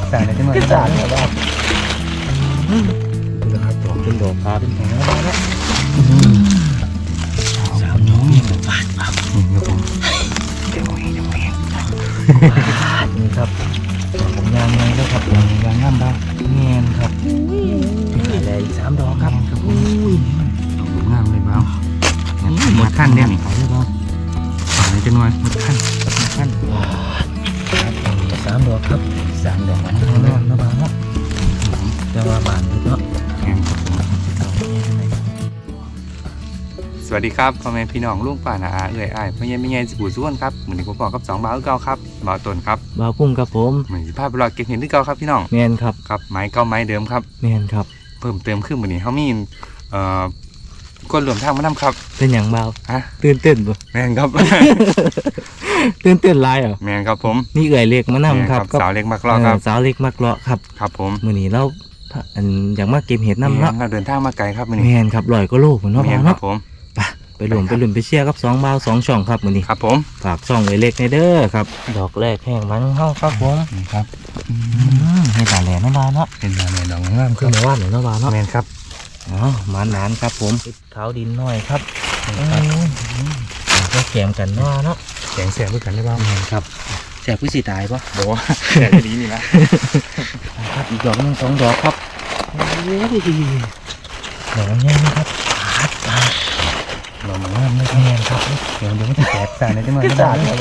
ใส่ในจังหวะนี้ได้แล้วดูนะครับดอกเป็นดอกพาเป็นแผงแล้วนะ3 ดอกนี่ฟาดครับนี่ครับผมเดี๋ยวนี่ครับผมยางไงแล้วครับยางง่ามบ้างเงี้ยครับอะไรอีก3 ดอกครับอุ้ยดอกงามเลยบ้างหมดขั้นเนี่ยเขาเลยบ้างฝั่งนี้จะน้อยหมดขั้น3 ดอกครับ3 ดอกมันงามนะบ้างเนาะจะว่าบานเนาะสวัสดีครับพ่อแม่พี่น้องลุงป้าน้าอาเอื้อยอ้ายพ่อใหญ่แม่ใหญ่สิบูส่วนครับเหมือนที่ผมบอกกับ2 บ่าวเก่าครับบ่าวต้นครับบ่าวพุ่งครับผมเหมือนสิภาพไปรอเก็บเห็นที่เก่าครับพี่น้องแมนครับครับไม้เก่าไม้เดิมครับแมนครับเพิ่มเติมขึ้นเหมือนนี้เขามีก้นรวมทางมานำครับเป็นอย่างบ่าวฮะตื่นเต้นบ่แม่นครับตื่นเต้นหลายเหรอแม่นครับผมนี่เอื่อยเล็กมานำครับสาวเล็กมากรอครับสาวเล็กมากเลาะครับครับผมมื้อนี้เราอยากมาเก็บเห็ดน้ำเนาะเราเดินทางมาไกลครับมื้อแมนี้นครับ100 กว่าโลพุ่นเนาะแม่บ่าวนครัเนาะบผมไปหลุมไปเชียร์กับ2 บ่าว2 ช่องครับมื้อนี้ครับผมฝากช่องเอื่อยเล็กในเด้อครับดอกแรกแห้งมันเฮาครับผมนี่ครับให้ตาแหลเนาะบ่าวเนาะเป็นมาแม่ดอกงามคือเมื่อวานเนาะบ่าวเนาะแม่นครับอ๋อหมานครับผมขาวดินน้อยครับก็แกมกันเนาะแข็งแสบด้วยกันได้บ้างครับแสบผู้สิตายปะบอกว่าแสบดีนี่นะครับอีกดอกนึง2 ดอกครับดอกนี้นะครับดอกงามเลยแมนครับเดี๋ยวมันจะแสบใส่ในจังหวะนี้สาดแล้ว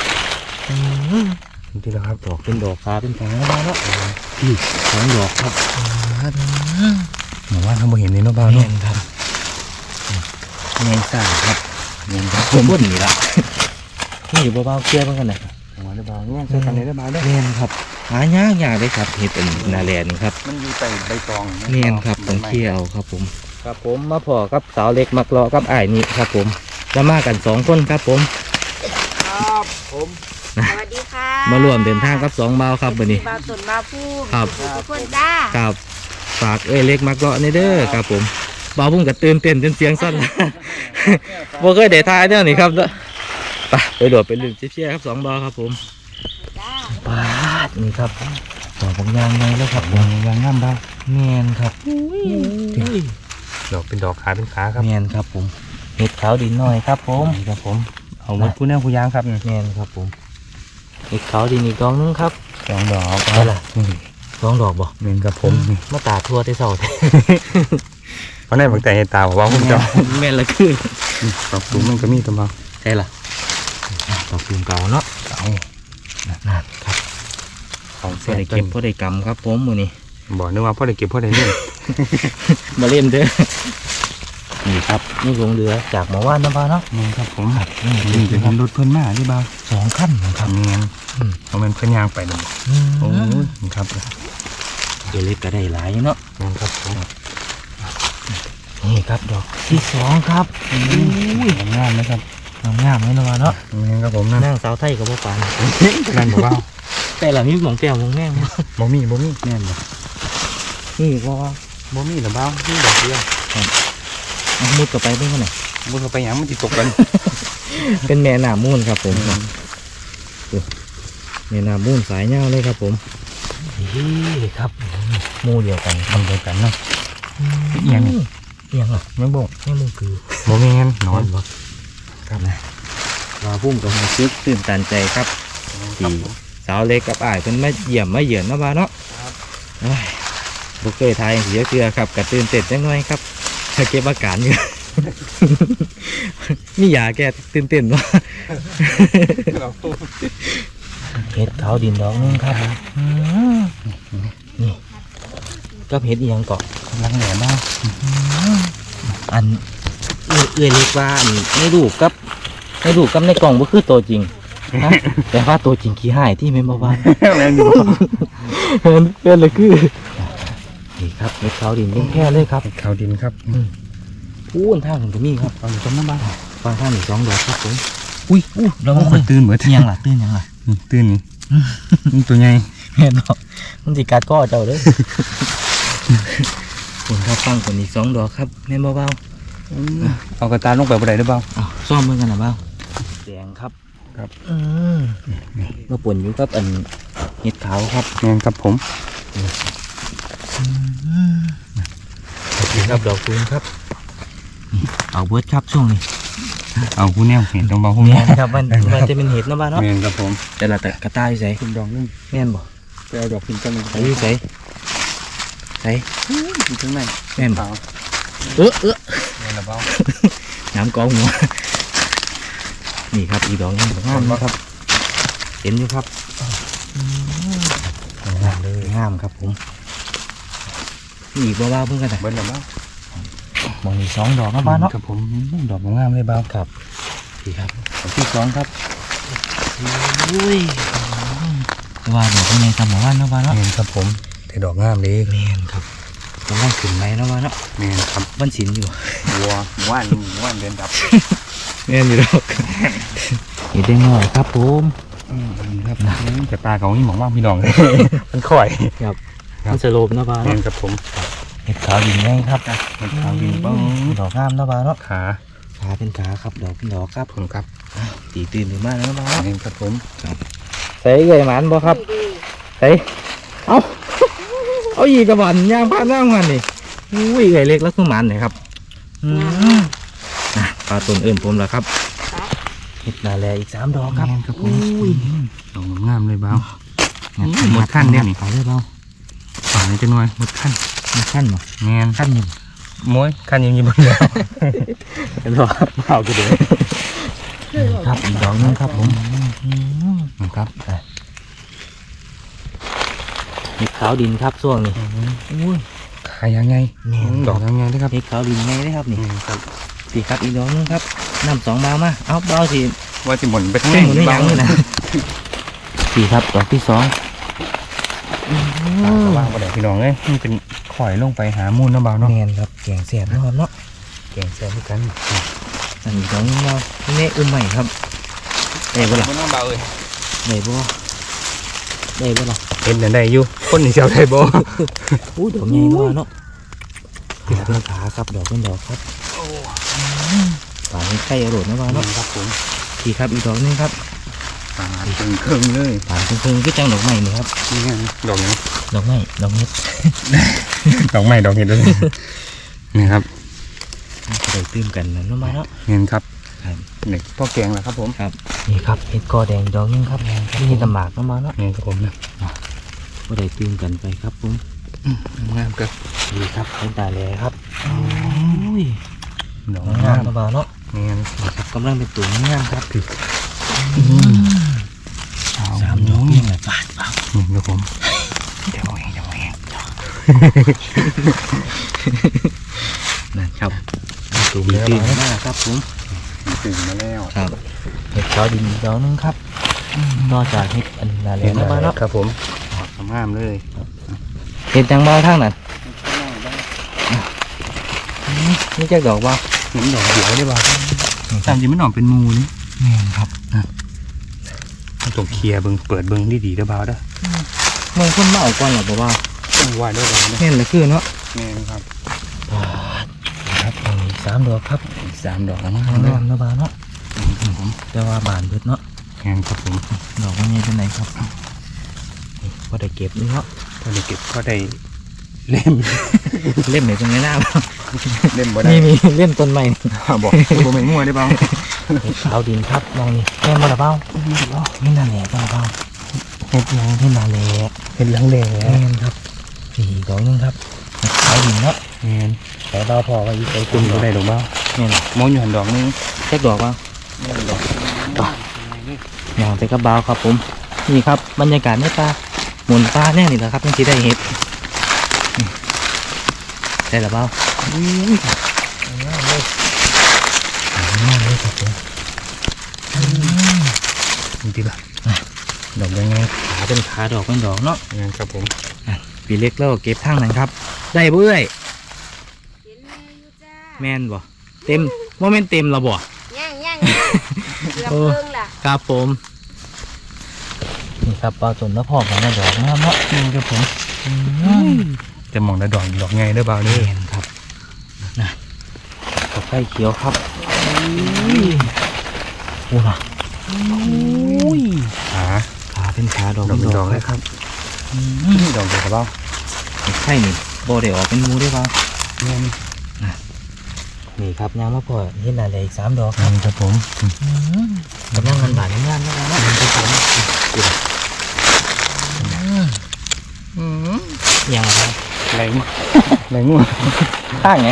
ที่แล้วครับดอกเป็นดอกฟ้าเป็นแผงแล้วเนาะพี่2 ดอกครับเหมือนว่าเขาบ่เห็นในนกบ้าแมเนาะนครับแมนสาดครับเงินครับผมบ่นนี่ละนี่อยู่เบาๆเกลือเพิ่งกันนะหัวได้บ้างเนี่ยใช้กันได้บ้างด้วยแมนครับหายากเลยครับเห็ดเป็นนาแลนี่ครับมันอยู่ใต้ใบตองเนียนครับต้องเคี่ยวครับผมครับผมมาพอกับสาวเล็กมักเลาะกับอ้ายนี่ครับผมจะมากัน2 คนครับผมครับผมสวัสดีค่ะมารวมเดินทางกับ2 บ่าวครับวันนี้บ่าวตุ่นบ่าวพุ่มครับทุกคนจ้าครับฝากเล็กมักเลาะในเด้อครับผมบ่าวพุ่งกับตื่นเต้นจนเสียงสั่น บ่เคยได้ทายเนี่ยนี่ครับเด้อไปโดดไปลืมเชี่ยครับ2 บ่าวครับผมจ้าปาดนี่ครับดอกผมยางไงแล้วครับยางงามบ้างแมนครับดอกเป็นดอกขาเป็นขาครับแมนครับผมเห็ดขาวดินน้อยครับผมครับผมเอาไว้ผู้แน่ผู้ยางครับแมนครับผมเห็ดขาวดินอีกดอกนึงครับ 2 ดอกเอาล่ะ 2 ดอกบ่เงินครับผมมาตาทั่วได้เศร้าเพราะในบางแต่เห็นตาว่าผมจะแม่นละคือดอกสูงมันก็มีตัวมาใช่ล่ะดอกตูมเก่าเนาะเอานั่นครับของพเสีอย ได้เก็เก็บบพอได้กำครับผมมือนี้บอกนึกว่าพ่อได้เก็บพ่อได้เล่นมาเล่นเด้อนี่ครับนี่ลงเรือจากหมู่บ้านน้ำปลาเนาะเงินครับผมนี่เป็นรถเพิ่นมาที่บ้า 2 ขั้นนะครับเงินเอาเป็นเพิ่นยางไปเลยโอ้ยครับเดี๋ยวเล็กก็ได้หลายอยู่เนาะเงินครับผมนี่ครับดอกที่2ครับงามนะครับงามๆเลยนะวะเนาะเงินครับผมนะนั่งสาวไทยกับพ่อปานนั่นบอกว่าแต่หลังนี้หมองแก้วหมองแง่งบ่มีแน่นบ่นี่ว่าบ่มีหรือเปล่านี่ดอกเดียวมุดกับไปเพื่อนไหนบ่เข้าไปหยังมันสิตกกันเป็นแม่น้ำมูลครับผมแม่น้ำมูลสายเงาเลยครับผมนี่ครับหมูเดียวกันทำเดียวกันเนาะ เอียงเอียงอ่ะยังบ่นี่มูคือบ่แม่นนอนบ่ครับนะมาพุ่มกับมาซึกตื่นตันใจครับที่สาวเล็กกับอ้ายเป็นมาเยี่ยมมาเยือนเนาะบ้าเนาะบุกเคยทายเสียเกลือครับกระตื่นเต้นจังหน่อยครับเก็บอาการอยู่ นี่ยาแกตื่นเต้นวะ เห็ดขาวดินดอกนึงครับนี่ก็เห็ดอีหยังเกาะลังแหลมมากอันเอื้อยเล็กว่าอันในรูปกับในกล่องก็คือตัวจริงนะแต่ว่าตัวจริงขี้หายที่ไม่มาว่าแม่นอยู่เห็นเลยคือนี่ครับเห็ดขาวดินยังแค่เลยครับเขาดินครับพูนท่าผมก็มีครับเอาอยู่ตรงนั้นบ้างฟังท่าหนึ่ง2 ดอกครับผมอุ้ยเราคน ตื่นเหมือนยังล่ะตื่นยังล่ะตื่นนี่นี่ตัวใหญ่เห็นบอกมันสิกัดก้อเจ้าเด้อคนครับฟังคนอีก2 ดอกครับแม่นเบาเอากระตาลงไปบ่ได้หรือเปล่าๆเอาซ่อมมือกันนะเบาแดงครับครับมาป่นอยู่ครับอันเห็ดขาวครับแม่นครับผมนี่ครับดอกตูมครับเอาเบิร์ดครับช่วงนี้เอาผู้แนวเห็นตรงบ่ผู้แม่แนวนครับมันจะเป็นเห็ดเนาะบ้านเนาะแม่นครับผมแต่ละแต่กระต่ายใส่คุณดอกนึงแม่นบ่ไปเอาดอกพินกันใส่ใส่ใส่อยู่ข้างในแม่นบ่ขาวเออแม่นละเบ้าน้ำกองหัวนี่ครับอีกดอกนึงงามนะครับเห็นอยู่ครับงามเลยงามครับผมนี่อีกบ้าๆเพิ่งกันนะเบิ้ลละเบ้ามองนี่2 ดอกเนาะบ้านเนาะครับผมดอกงามเลยเบ้าครับพี่ครับดอกที่สองครับอุ้ยว่าดอกเป็นไงทำหมู่บ้านเนาะบ้านเนาะแม่นครับผมแต่ดอกงามเลยแม่นครับกำลังขึ้นไหมเนาะบ้านเนาะแม่นครับวันศิลอยู่วัวว่านเดินดับแม่นอยู่ดอกเห็นได้หน่อยครับผมครับแต่ปลาเขานี่หมองว่าพี่น้อง มันข่อย ครับมันสโลปเนาะบ้านแม่เนาะนครับผมเห็ดขาวดินไงครับมันขาวบินป้องดอกงามเนาะบ้านเนาะขาขาเป็นขาครับดอกเป็นดอกครับผมครับตีตื่นหรือมาแล้วบ้านเนาะแม่นครับผมใส่ใหญ่หมานบ่ครับใส่เอาอีกกระบอกย่างพาน้ำกันนี่อุ้ยใหญ่เล็กแล้วคือหมันเลยครับปลาต้นเอิ่นผมแล้วครับเห็ดนาแลอีก3 ดอกครับแม่นครับผมอุ้ยดอกงามเลยเบ้าหมดขั้นเนี่ยนี่เอาเลยเปล่าฝั่งนี้จะหน่วยหมดขั้นมันขั้นบ่แม่นขั้นหนึ่งมวยขั้นยังอยู่บนเรือเห็นบ่เอาไปเลยครับอีกดอกนึงครับผมครับเห็ดขาวดินครับช่วงนี้อุ้ยขายยังไงแม่นดอกยังไงนะครับเห็ดขาวดินไงได้ครับนี่ครับสี่ครับอีกดอกนึงครับน้ำ2 บามาเอาเบาสิว่าสิหมุนไปข้างแค่ในหมุนไม่ยั้งเลยนะสี่ครับดอกที่ 2 ว่างประเดี๋ยวพี่น้องเลยมันเป็นข่อยลงไปหามูลน้ำเบาเนาะแมนครับแกงแสบเนาะครับเนาะแกงแซ่บด้วยกันอันนี้ของเราเน่อุ้มใหม่ครับได้บ่ล่ะน้ำเบาเลยได้บ่ได้บ่ล่ะเห็นแต่ได้อยู่คนนี่เชียวได้บ่อู้ดอกใหญ่เนาะเนาะขาเป็นขาครับดอกเป็นดอกครับฝาไข่อร่อยนะว่าเนาะครับผมสี่ครับอีกดอกนึงครับปลาตึงเครื่องเลยฝาครึ่งๆคือจังดอกใหม่นี่ครับนี่ไงดอกยังดอกใหม่ดอกเม็ดดอกใหม่ดอกเห็ดด้วยนี่ครับจะได้ตื่มกันนะเนาะมาเนาะเห็นครับครับนี่พ่อแกงแหละครับผมครับนี่ครับเห็ดกอแดงดอกนึงครับนี่เห็ดตำหมากเนาะมาเนาะนี่ครับผมนะก็ได้ตื่มกันไปครับผมงามเกินดีครับเห็นตาแลครับอุ้ยดอกงางาม มนะบ่าวเนาะนี่ไงนี่ครับกำลังเป็นตัวงามครับ 3 ดอกยังไงบาทเปล่านี่ครับผมเดี๋ยวเองนั่นครับตัวมีตื่นมากครับผมตื่นมาแล้วครับเห็ดขาวดินดอกนึงครับนอกจากเห็ดอันนาแลนะบ่าวเนาะครับผมงามเลยเห็ดจังบ่าวทางนั้นนี่จะดอกบ่าวเห็นดอกเดียวได้ป่ะตามจริงมันออกเป็นมูนี่แม่นครับต้องเคลียร์เบิ้งเปิดเบิ้งดีๆเด้อบ่าวเด้อเมืองคนมาเอาก่อนหรอบ่าวต้องไหวด้วยบ่าวเด้อเห็นเลยคือเนาะแม่นครับครับอีก3 ดอกครับอีก3 ดอกแล้วมั้งงามนะบ่าวเนาะแต่ว่าบานเบิดเนาะแม่นครับผมดอกมันใหญ่เป็นไหนครับพอได้เก็บนี่เนาะพอได้เก็บก็ได้เล่มเล่มไหนตรงนี้หน้าบ่เล่มบ่ได้นี่มีเล่มต้นใหม่บอกบ่แม่นงัวได้บ่าวเห็ดขาวดินครับมองนี่แม่นบ่ละเบ้านี่นาแหล่บ่ละเบ้าเฮ็ดยังนี่นาแหล่เฮ็ดหลังแดงแม่นครับสี่ดอกนึงครับเห็ดขาวดินเนาะแม่นแต่เบ้าพอไว้อีกไอ้คุคุณ ณบ่ได้ดอกบ่าวแม่นมองอยู่หันดอกนึงแค่ดอกเบ้าดอกอย่างไปกับเบ้าครับผมนี่ครับบรรยากาศในป่าหมุนป่าแน่นี่แหละครับยังสิได้เห็ดนี่ได้ละเบ้าง่ายเลยครับผมดีป่ะดอกยังไงขาเป็นขาดอกเป็นดอกเนาะแม่นครับผมปีเล็กแล้วก็เก็บทางนั้นครับ ได้บ่เอ้ยเห็นแม่อยู่จ้าแม่นบ่เต็มโมเมนเต็มและบ่ย่างเกือบเพิ่งล่ะครับผมนี่ครับปลาตุ่นแล้วพอกันนะดอกงามเนาะแม่นครับผมจะมองได้ดอกไงเด้อบ่าวเด้อแม่นครับนะดอกไข่เขียวครับโอ้ล่ะขาขาเป็นขาดอกดอกเป็นดอกเลยครับดอกเดียวกับเบ้าไข่นี่โบได้ออกเป็นหมูได้เปล่าเนี่ยนี่ครับยางมะพร้าวเห็นอะไรอีก3 ดอกครับครับผมกำลังงานบาดงานนะครับเนาะยังครับแรงงัวข้างไง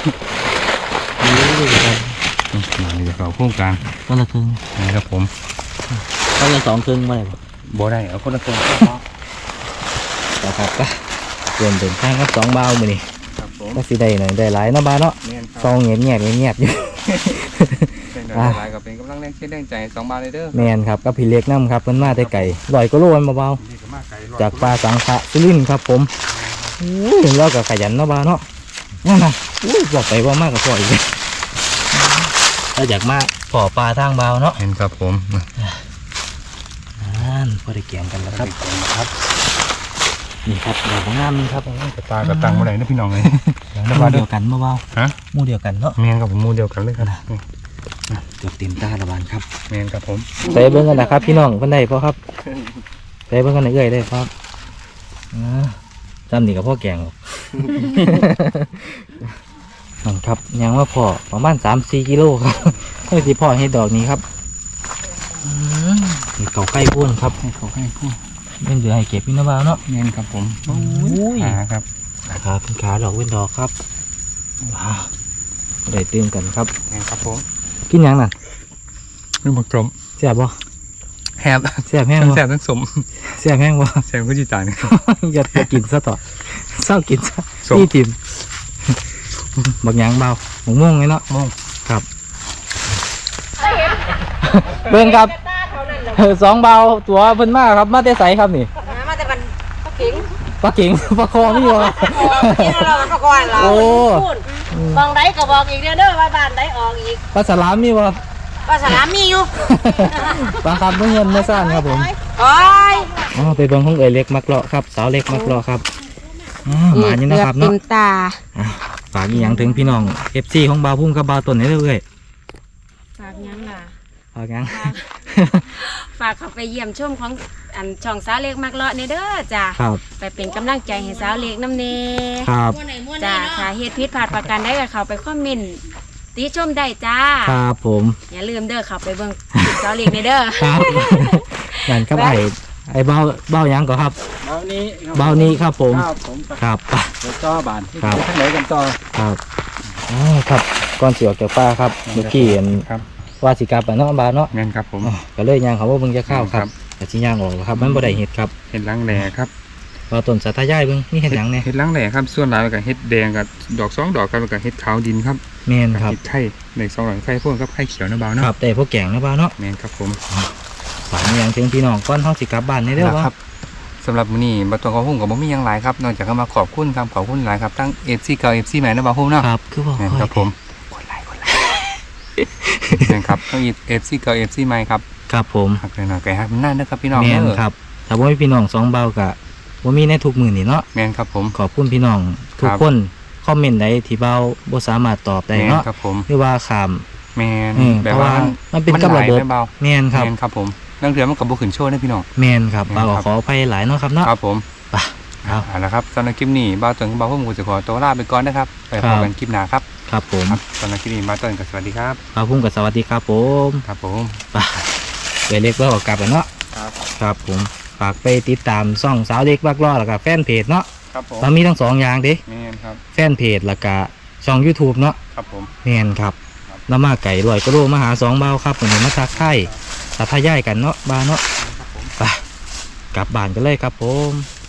นี่จะเข้าโครงการคนละครึ่งนี่ครับผมคนละ2 ครึ่งมาเลยบ่บ่ได้เอาคนละคนต่อครับก็ส่วนเดินทางครับ2 เบามือนี่ครับผมก็สิได้หน่อยได้หลายเนาะบ้านเนาะแม่นคซรัองเงียบอยู่เป็นดอกหลายกับเป็นกำลังแรงเชียร์แรงใจ2 บาทเลยเด้อแมนครับก็พี่เล็กน้ำครับเพิ่นมาแต่ไก่ลอยก็โลมันเบานี่ก็มาไกลๆจากปลาสังขะสุรินทร์ครับผมอุ้ยเราก็ขยันเนาะบ้านเนาะนั่นนะอุ้ยบอกไปว่ามากกับพ่ออีกเลยเราอยากมาพ่อปลาทางเบาเนาะเห็นครับผมพอได้เกี่ยงกันแล้วคครัรับบ นี่ครับดอกงามนี่ครับตากระตังบ่ได้นะพี่น้องเลยหมู่เดียวกันเบาฮะๆหมู่เดียวกันเนาะแมนกับผมมูเดียวกันเลยครับเกือบเต็มตาละบานครับแมนครับผมใส่เบิ้งกันนะครับพี่น้องเพิ่นได้พอครับใส่เบิ้งกันเอื้อยได้ครับจำนี่กับพ่อแกงหรอกนั่นครับยังว่าพอประมาณ3-4 กิโลครับเพื่อที่พ่อให้ดอกนี้ครับนี่เขาใกล้พ่นครับให้เขาให้พูดเป็นเหลือให้เก็บพี่น้ำบาวเนาะแมนครับผมยหาครับขาเป็นขาดอกเป็นดอกครับได้เติมกันครับแมนครับผมกินหยังน่ะนี่บักกลมแซ่บบ่แฮบแซ่บแห้งทั้งบ่แซ่บทั้งสมแซ่บแห้งบ่แซ่บก็จีตายนี่อย่ากินซะต่อเศร้ากินซะสมนี่ทิมบักหยางเบาหมกม่วงไงเนาะมองครับเบิ่งครับ2 เบาตัวเพิ่นมาครับมาแต่ไสครับนี่มาแต่บันปลาเก๋งปลาเก๋งปลาคอนี่วะกินเราปลาก้อนเราโอ้บางไดก็บอกอีกเด้อว่าบ้านไดออกอีกปลาสลามนี่วะปลาสลามมีอยู่ปลาครับเพิ่งเงินเมื่อซ่านครับผมโอ้ยอ๋อไปเบิ่งของเอ๋ยเล็กมักเลาะครับสาวเล็กมักเลาะครับหมานี่นะครับเต็เนาะมตาฝากอีหยังถึงพี่น้อง FC ของบาวพุ่มกับบาวต้นนี่เลยฝากยังล่ะฝากหยังฝากเขาไปเยี่ยมชมของอันช่องสาวเล็กมักเลาะในเด้อจ้ะครับไปเป็นกำลังใจให้สาวเล็กน้ำเนครับจ้ะถ้าเหตุผิดพลาดประการใดก็เขาไปคอมเมนต์ติชมได้จ้าครับผมอย่าลืมเด้อเขาไปเบิ่งสาวเล็กในเด้อครับนั่นครับไอ้เบาเบาหยังก็ครับเบานี้เบานี้ครับผมครับผมครับเดี๋ยวต่อบานครับทางไหนกันต่อครับอ๋อครับก่อนสิออกจากป่าครับเมื่อกี้เห็นครับว่าสิกลับไปเนาะบาวเนาะแมนครับผมอ๋อก็เลยย่างเขาว่าเบิ่งจะเข้าวครับแต่สิย่างออกแล้วครับมันบ่ได้เห็ดครับเห็ดล้างแหล่ครับว่าต้นสาธยายเบิ่งมีเห็ดหยังแหน่เห็ดล้างแหล่ครับส่วนหลายกับเห็ดแดงกับดอก2 ดอกครับแล้วกับเห็ดขาวดินครับแม่นครับเห็ดไข่ใน2 ดอกไข่พ่วงกับไข่เขียวนะเบาเนาะครับแต่พวกแกงนะบาวเนาะแมนครับผมฝากอีหยังถึงพี่น้องก่อนเฮาสิกลับบ้านนี่เด้อคว่ารับสำหรับมื้อนี้บัตรของหุ้มกับบ่มีหยังหลายครับนอกจากเข้ามาขอบคุณครับขอบคุณหลายครับทั้ง FC เก่า FC ใหม่นะบ่าวหุ้มเนาะครับคือว่าแม่นค่อยครับผมคนไลค์แม่นครับทั้ง FC เก่า FC ใหม่ครับครับผมหักหน่อยๆไก่หักมันนั่นนะครับพี่น้องแม่นเด้อครับถ้าบ่มีพี่น้อง2เบาก็บ่มีในทุกมื้อนี่เนาะแม่นครับผมขอบคุณพี่น้องทุกครับคนคอมเมนต์ใดที่เบาบ่สามารถตอบได้แม่นเนาะครับผมหรือว่าข้ามแม่นเพแบบราะว่าว่ามันเป็นกับหระลายบบแม่เบาแม่นครับแม่นครับผมนั่นคือมันกับบุขึ้นโชว์นะพี่น้องแม่นครับแม่นเบาครับขออภัยหลายเนาะครับเนาะครับผมไปครับเอาละครับสำหรับคลิปนี้บ้าวต้นกับบ้าวหุ้มกูจะขอตัวลาไปก่อนนะครับไปพบกันคลิปหน้าครับครับผมครับสำหรับคลิปนี้บ้าวต้นกับสวัสดีครับครับผมก็สวัสดีครับผมครับผมไปเดี๋ยวเล็กก็ออกกลับแล้วเนาะครับครับผมฝากไปติดตามช่องสาวเล็กบักล้อแล้วก็แฟนเพจเนาะครับผมมันมีทั้ง2อย่างเด้แม่นครับแฟนเพจแล้วก็ช่อง YouTube เนาะครับผมแม่นครับน้ำมาไก่ลอยก็โลมาหา2เบาครับผมมาทักทายสาธยายกันเนาะบ้านเนาะไปกลับบ้านกันเลยครับผม